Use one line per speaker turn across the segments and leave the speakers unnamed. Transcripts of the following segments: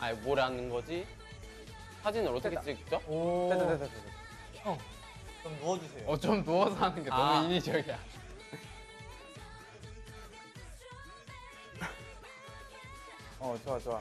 아니 뭐라는 거지? 사진을 어떻게 찍죠?
됐다.
형, 좀 누워주세요.
좀 누워서 하는 게 너무 인위적이야.
좋아.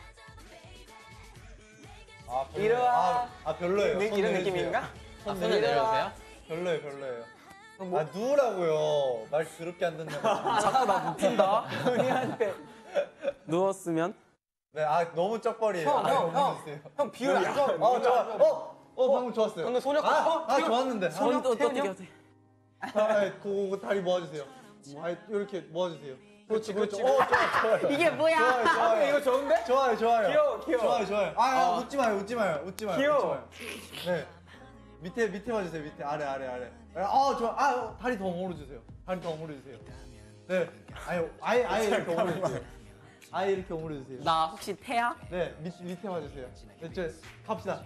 아, 별로예요.
이리와.
별로예요. 손
이런
내려주세요.
느낌인가?
손을 내려주세요.
별로예요. 누우라고요. 말 더럽게 안 듣는다.
자꾸 나 눕힌다. 은희한테. 누웠으면?
네, 너무 쩍벌이에요.
형 비율 안 좋아.
좋아. 방금 좋았어요.
근데 소녀
좋았는데.
손 또 어떻게 하세요?
그거 다리 모아주세요. 이렇게 모아주세요. 그렇지. 좋아요.
이게 뭐야?
좋아요.
이거 좋은데?
좋아요.
귀여워.
좋아요. 웃지 마요.
귀여워.
네. 밑에 봐주세요. 밑에 아래. 좋아. 다리 더 오므려주세요. 네. 아예 이렇게 오므려주세요. 아예 이렇게 오므려주세요.
나 혹시 태야?
네, 밑에 봐주세요. 네, 갑시다.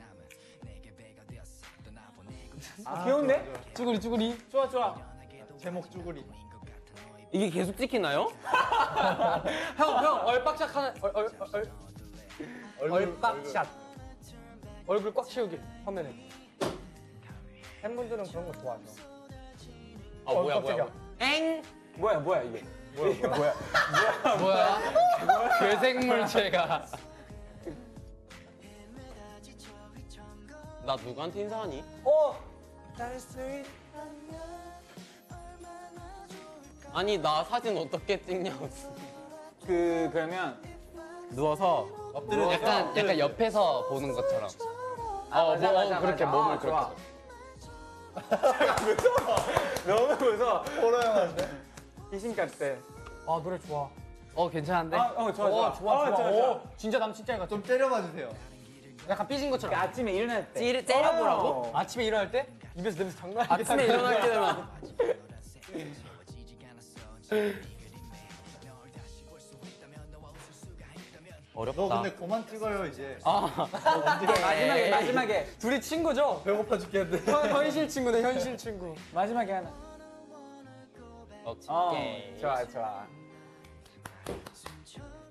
귀여운데? 쭈구리. 좋아.
제목 쭈구리.
이게 계속 찍히나요?
형 얼빡샷 하나 얼빡샷. 얼굴 꽉 채우기 화면에. 팬분들은 그런 거 좋아하죠.
뭐야.
엥?
뭐야 이게?
뭐야? 괴생물체가. 나 누구한테 인사하니? 아니 나 사진 어떻게 찍냐고.
그러면
누워서
엎드려서
약간 옆에서 보는 것처럼.
맞아.
그렇게 몸을
좋아.
그렇게.
너무 무서워.
호러 영화인데?
귀신 같대. 노래 좋아.
괜찮은데?
좋아. 진짜 남 진짜 같아.
좀 때려봐주세요.
약간 삐진 것처럼. 아침에 일어날 때.
째려보라고?
아침에 일어날 때? 입에서 냄새 장난 아니야.
아침에 일어날 때 되면 어렵다.
너 근데 그만 찍어요 이제.
마지막에 둘이 친구죠?
배고파 죽겠는데.
현실 친구네 현실 친구. 마지막에 하나.
오케이.
좋아.